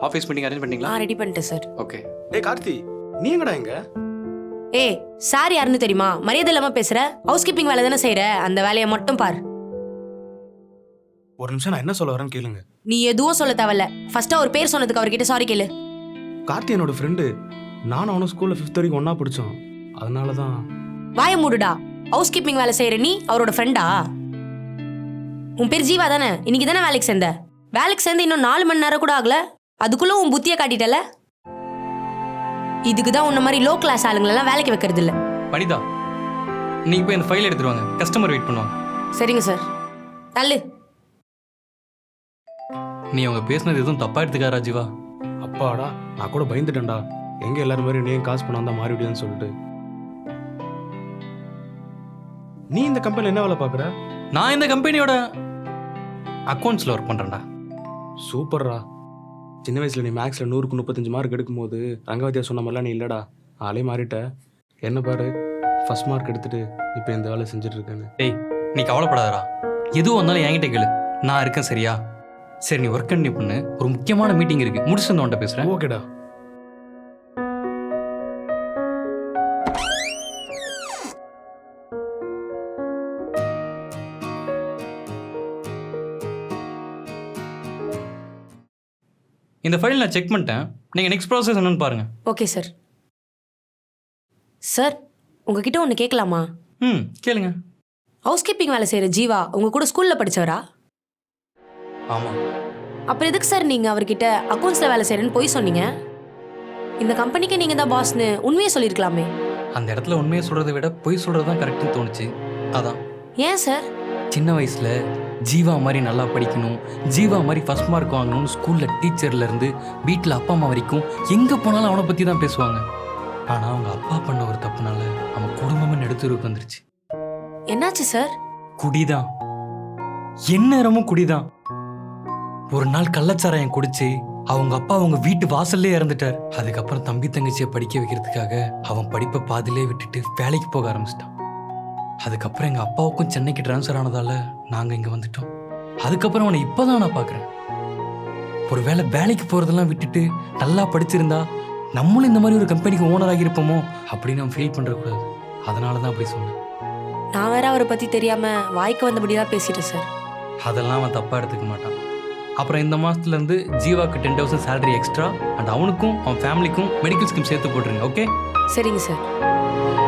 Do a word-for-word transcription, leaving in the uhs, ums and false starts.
Office meeting arrange பண்ணிட்டீங்களா? ஆ ready பண்ணிட்டேன் சார். ஓகே. ஏய் கார்த்தி, நீ எங்கடா எங்க? ஏய் சார் யாருன்னு தெரியுமா? மரியாதை இல்லாம பேசுற. ஹவுஸ் கீப்பிங் வேலை தானே செய்யற, அந்த வேலையை மட்டும் பார். ஒரு நிமிஷம், நான் என்ன சொல்ல வரேன்னு கேளுங்க. நீ எதுவும் சொல்ல தேவையில்ல. ஃபர்ஸ்டா ஒரு பேர் சொன்னதுக்கு அவர்கிட்ட சாரி கேளு. கார்த்தி என்னோட ஃப்ரெண்டு. நானும் அவனும் ஸ்கூல்ல ஃபிஃப்த் வரைக்கும் ஒண்ணா படிச்சோம். அதனால தான். வாய மூடுடா. ஹவுஸ் கீப்பிங் வேலை செய்யற நீ அவரோட ஃப்ரெண்டா? உன் பேர் ஜீவா தானே? இன்னைக்கு தானே வேலைக்கு சேர்ந்த. வேலைக்கு சேர்ந்து இன்னும் நாலு மணி நேரம் கூட ஆகல, அதுக்குள்ள உன் புத்தியை காட்டிட்டல. இதுக்கு தான் உன்ன மாதிரி லோ கிளாஸ் ஆளுங்களெல்லாம் வேலைக்கு வைக்கிறது இல்ல. வனிதா, நீங்க போய் இந்த ஃபைல் எடுத்துருவாங்க, கஸ்டமர் வெயிட் பண்ணுவாங்க. சரிங்க சார். தள்ளு. நீ அவங்க பேசுனது எதுவும் தப்பா எடுத்துக்காரா ஜீவா? அப்பாடா, நான் கூட பயந்துட்டேன்டா. எங்க எல்லாரும் மாதிரி நீயும் காசு பண்ணா தான் மாறிவிடுன்னு சொல்லிட்டு. நீ இந்த கம்பெனில என்ன வேலை பாக்குற? நான் இந்த கம்பெனியோட அக்கௌண்ட்ஸ்ல ஒர்க் பண்றேன்டா. சூப்பர்ரா. சின்ன வயசுல நீ மேக்ஸ்ல நூறுக்கு முப்பத்தஞ்சு மார்க் எடுக்கும்போது ரங்கவதியா சொன்ன மாதிரிலாம் நீ இல்லடா. ஆளே மாறிட்ட. என்ன பாரு, ஃபர்ஸ்ட் மார்க் எடுத்துட்டு இப்போ இந்த வேலை செஞ்சுட்டு இருக்கேன்னு. டேய், நீ கவலைப்படாதடா. எதுவும் வந்தாலும் என்கிட்ட கேளு, நான் இருக்கேன். சரியா? சரி, நீ ஒர்க் கண்டினியூ பண்ணு. ஒரு முக்கியமான மீட்டிங் இருக்கு, முடிச்சுட்டு வந்து உன்கிட்ட பேசுறேன். ஓகேடா. இந்த ஃபைல் நான் செக் பண்ணிட்டேன். நீங்கள் நெக்ஸ்ட் ப்ராசஸ் என்னன்னு பாருங்க. Okay sir. சார் உங்ககிட்ட ஒன்று கேட்கலாமா? ம், கேளுங்க. ஹவுஸ் கீப்பிங் வேலை செய்கிற ஜீவா உங்கள் கூட ஸ்கூலில் படித்தவரா? ஆமாம். அப்புறம் எதுக்கு சார் நீங்கள் அவர்கிட்ட அக்கௌண்ட்ஸில் வேலை செய்கிறேன்னு போய் சொன்னீங்க? இந்த கம்பெனிக்கு நீங்கள் தான் பாஸ்னு உண்மையை சொல்லியிருக்கலாமே. அந்த இடத்துல உண்மையை சொல்கிறத விட பொய் சொல்கிறது தான் கரெக்டுன்னு தோணுச்சு. அதான். ஏன் சார்? சின்ன வயசில் ஜீவா மாதிரி நல்லா படிக்கணும், ஜீவா மாதிரி ஃபர்ஸ்ட் மார்க் வாங்கணும்னு ஸ்கூலில் டீச்சர்லேருந்து வீட்டில் அப்பா அம்மா வரைக்கும் எங்கே போனாலும் அவனை பற்றி தான் பேசுவாங்க. ஆனால் அவங்க அப்பா பண்ண ஒரு தப்புனால அவன் குடும்பமே நடுத்தருக்கு வந்துருச்சு. என்னாச்சு சார்? குடிதான், எந்நேரமும் குடிதான். ஒரு நாள் கள்ளச்சாராயம் குடிச்சு அவங்க அப்பா அவங்க வீட்டு வாசல்லே இறந்துட்டார். அதுக்கப்புறம் தம்பி தங்கச்சியை படிக்க வைக்கிறதுக்காக அவன் படிப்பை பாதிலே விட்டுட்டு வேலைக்கு போக ஆரம்பிச்சிட்டான். அதுக்கப்புறம் எங்கள் அப்பாவுக்கும் சென்னைக்கு ட்ரான்ஸ்ஃபர் ஆனதால நாங்கள் இங்கே வந்துட்டோம். அதுக்கப்புறம் அவனை இப்போ தான் நான் பார்க்குறேன். ஒரு வேளை வேலைக்கு போகிறதெல்லாம் விட்டுட்டு நல்லா படிச்சிருந்தா நம்மளும் இந்த மாதிரி ஒரு கம்பெனிக்கு ஓனர் ஆகியிருப்போமோ அப்படின்னு அவன் ஃபீல் பண்ணுறக்கூடாது. அதனால தான் அப்படி சொன்னேன். நான் வேற அவரை பற்றி தெரியாமல் வாய்க்கு வந்தபடியாக பேசிட்டேன் சார். அதெல்லாம் அவன் தப்பாக எடுத்துக்க மாட்டான். அப்புறம் இந்த மாதத்துலேருந்து ஜீவாக்கு ten thousand salary extra and அவனுக்கும் அவன் ஃபேமிலிக்கும் மெடிக்கல் ஸ்கீம் சேர்த்து போட்டுருங்க. ஓகே? சரிங்க சார்.